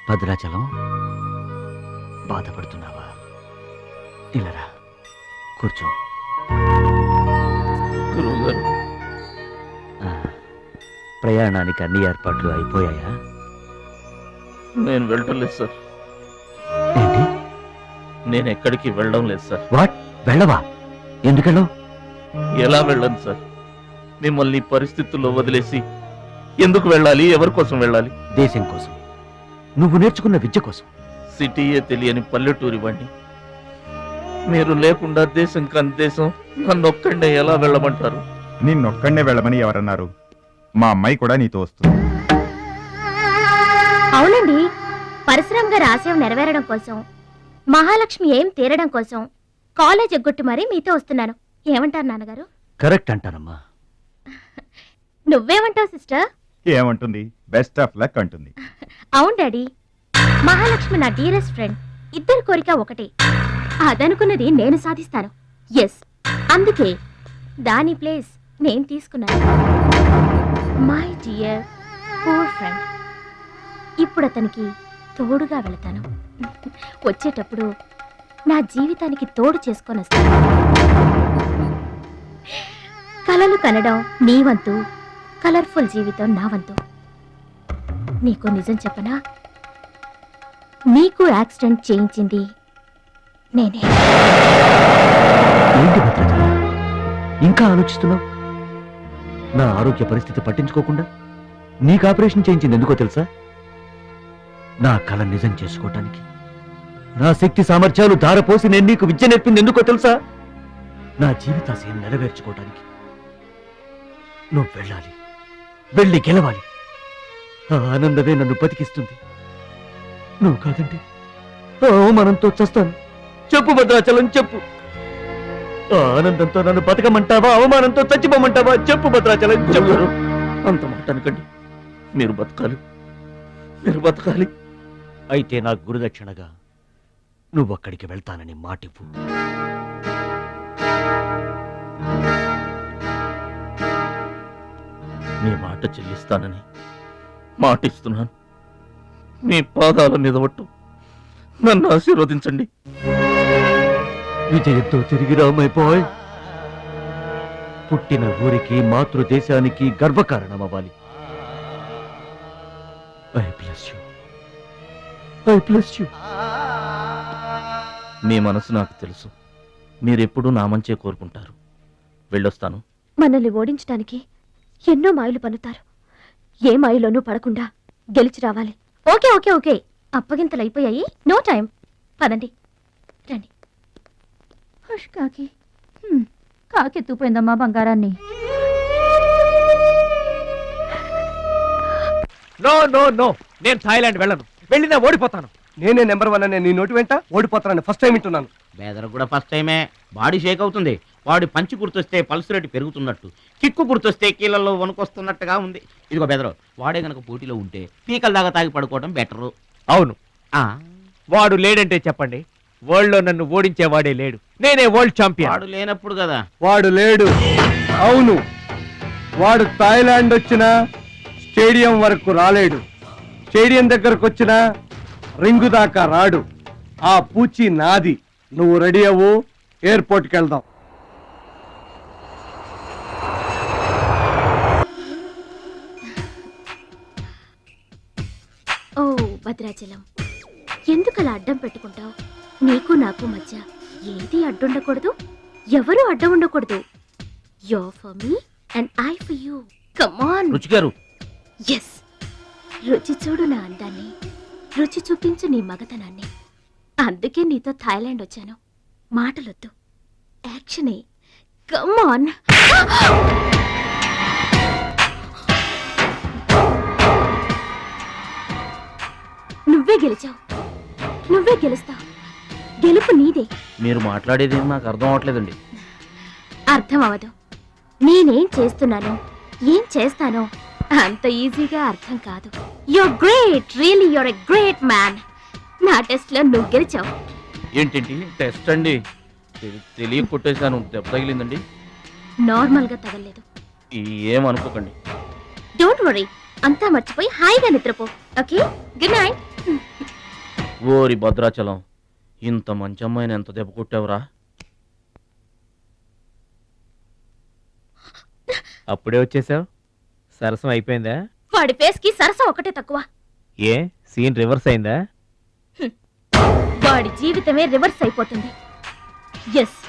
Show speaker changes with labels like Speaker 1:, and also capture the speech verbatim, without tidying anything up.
Speaker 1: భద్రాచలం బాధపడుతున్నావా? ఇలారా కూర్చో.
Speaker 2: గురువుగారు,
Speaker 1: ఆ, ప్రయాణానికి అన్ని ఏర్పాట్లు అయిపోయాయా?
Speaker 2: నేను వెళ్ళటం లేదు సార్.
Speaker 1: ఏంటి?
Speaker 2: నేను ఎక్కడికి వెళ్ళడం లేదు సార్.
Speaker 1: వాట్? వెళ్ళవా? ఎందుకెళ్ళవు?
Speaker 2: ఎలా వెళ్ళను సార్? మిమ్మల్ని ఈ పరిస్థితుల్లో వదిలేసి ఎందుకు వెళ్ళాలి? ఎవరి కోసం వెళ్ళాలి?
Speaker 1: దేశం కోసం, నువ్వు నేర్చుకున్న విద్య కోసం.
Speaker 2: సిటీయే తెలియని పల్లెటూరి వాణ్ణి. మీరు లేకుండా దేశం కాని దేశం నన్ను ఒక్కడే ఎలా వెళ్ళమంటారు?
Speaker 3: నిన్నొక్కడే వెళ్ళమని ఎవరన్నారు? మా అమ్మాయి కూడా నీతో వస్తుంది.
Speaker 4: అవునండి, పరశురామ్ గారి ఆశయం నెరవేరడం కోసం, మహాలక్ష్మి ఏం తీరడం కోసం కాలేజ్ ఎగ్గొట్టి మరీ మీతో వస్తున్నాను. ఏమంటారు నాన్నగారు?
Speaker 1: కరెక్ట్ అంటానమ్మా.
Speaker 4: నువ్వేమంటావు సిస్టర్?
Speaker 3: ఏమంటుంది? బెస్ట్ ఆఫ్ లక్ అంటుంది.
Speaker 4: అవును డాడీ, మహాలక్ష్మి నా డీరెస్ట్ ఫ్రెండ్. ఇద్దరి కోరిక ఒకటే, అదనుకున్నది నేను సాధిస్తాను. ఎస్, అందుకే దాని ప్లేస్ నేను తీసుకున్నాను. My dear poor friend. ఇప్పుడు అతనికి తోడుగా వెళతాను. వచ్చేటప్పుడు నా జీవితానికి తోడు చేసుకొని వస్తాను. కలలు కనడం నీ వంతు, కలర్ఫుల్ జీవితం నా వంతు. నీకు నిజం చెప్పనా? నీకు యాక్సిడెంట్ చేయించింది నేనే.
Speaker 1: ఏంటి భద్రాచలం, ఇంకా ఆలోచిస్తున్నావు? నా ఆరోగ్య పరిస్థితి పట్టించుకోకుండా నీకు ఆపరేషన్ చేయించింది ఎందుకో తెలుసా? నా కళ నిజం చేసుకోవటానికి. నా శక్తి సామర్థ్యాలు ధారపోసి నేను నీకు విద్య నేర్పింది ఎందుకో తెలుసా? నా జీవితాశయం నెరవేర్చుకోవటానికి. నువ్వు వెళ్ళాలి, వెళ్ళి గెలవాలి. ఆ ఆనందమే నన్ను బతికిస్తుంది. నువ్వు కాదంటే ఆ అవమానంతో చస్తాను. చెప్పు భద్రాచలం, చెప్పు. ఆ ఆనందంతో నన్ను బతకమంటావా, అవమానంతో చచ్చిపోమంటావా? చెప్పు భద్రాచలం, చెప్పు.
Speaker 2: అంత మాట అనకండి. మీరు బతకాలి, మీరు బతకాలి.
Speaker 1: అయితే నా గురుదక్షిణగా నువ్వు అక్కడికి వెళ్తానని మాటివ్వు.
Speaker 2: మీ మాట చెల్లిస్తానని మాటిస్తున్నాను. మీ పాదాల మీద ఒట్టు. నన్ను ఆశీర్వదించండి.
Speaker 1: విజయంతో తిరిగి రామైపోయ్. పుట్టిన ఊరికి, మాతృదేశానికి గర్వకారణమవ్వాలి. I bless you, I bless you.
Speaker 2: మీ మనసు నాకు తెలుసు. మీరెప్పుడూ నా మంచే కోరుకుంటారు. వెళ్ళొస్తాను.
Speaker 4: మనల్ని ఓడించడానికి ఎన్నో మాయలు పన్నుతారు. ఏ మాయలోనూ పడకుండా గెలిచి రావాలి. ఓకే ఓకే ఓకే అప్పగింతలు అయిపోయాయి. No time. పదండి, రండి. హుష్ కాకి. హ్మ్, కాకెత్తుపోయిందమ్మా బంగారాన్ని.
Speaker 5: నో నో నో, నేను థాయిలాండ్ వెళ్ళను. వెళ్ళినా ఓడిపోతాను.
Speaker 6: నేనే నెంబర్ వన్ అనే నీ నోటి వెంట ఓడిపోతానని ఫస్ట్ టైం వింటున్నాను.
Speaker 7: బేదర్ కూడా ఫస్ట్ టైమే. బాడీ షేక్ అవుతుంది. వాడి పంచి గుర్తొస్తే పల్స్ రేటు పెరుగుతున్నట్టు, కిక్కు గుర్తొస్తే కీళ్ళల్లో వణుకొస్తున్నట్టుగా ఉంది. ఇదిగో బెదరు, వాడే గనక పోటీలో ఉంటే పీకల దాకా తాగి పడుకోవడం బెటరు.
Speaker 5: అవును,
Speaker 7: ఆ
Speaker 5: వాడు లేడంటే చెప్పండి. వరల్డ్ లో నన్ను ఓడించేవాడే లేడు. నేనే వరల్డ్ ఛాంపియన్.
Speaker 7: వాడు లేనప్పుడు కదా.
Speaker 6: వాడు లేడు. అవును, వాడు థాయిలాండ్ వచ్చినా స్టేడియం వరకు రాలేడు. స్టేడియం దగ్గరకు వచ్చినా రింగు దాకా రాడు. ఆ పూచి నాది. నువ్వు రెడీ అవ్వు, ఎయిర్పోర్ట్కి వెళ్దాం.
Speaker 4: ఓ భద్రాచలం, ఎందుకలా అడ్డం పెట్టుకుంటావు? నీకు నాకు మధ్య ఏది అడ్డుండకూడదు, ఎవరు అడ్డం ఉండకూడదు. You for me and I for you. Come on.
Speaker 2: Ruchi garu,
Speaker 4: yes, రుచి చూడు నా అందాన్ని, రుచి చూపించు నీ మగతనాన్ని. అందుకే నీతో థాయిలాండ్ వచ్చాను. మాటలొద్దు, యాక్షనే. Come on. నువ్వే గెలిచావు, నువ్వే గెలుస్తావు. గెలుపు నీదే.
Speaker 2: మీరు మాట్లాడేది నాకు అర్థం అవట్లేదండి.
Speaker 4: అర్థం అవదు. నేనేం చేస్తున్నానో, ఏం చేస్తానో అంత ఈజీగా అర్థం కాదు. You're great, really you're a great man. నా టెస్ట్ లో నువ్వు గెలిచావు.
Speaker 2: ఏంటండి టెస్ట్ అండి? తెలి- తెలియ కొట్టేశాను. దెబ్బ తగిలిందండి.
Speaker 4: నార్మల్ గా తగలేదు.
Speaker 2: ఏమనుకోకండి.
Speaker 4: డోంట్ వరీ, అంతా మర్చిపోయి హాయిగా నిద్రపో. Okay, good night.
Speaker 2: ఓరి భద్రాచలం, ఇంత మంచి అమ్మాయిని ఎంత దెబ్బ కొట్టావురా?
Speaker 5: అప్పుడే వచ్చేసావు. సరసం అయిపోయిందా?
Speaker 4: వాడి ఫేస్ కి సరసం ఒకటే తక్కువ.
Speaker 5: ఏ సీన్ రివర్స్ అయిందా?
Speaker 4: వాడి జీవితమే రివర్స్ అయిపోతుంది. ఎస్,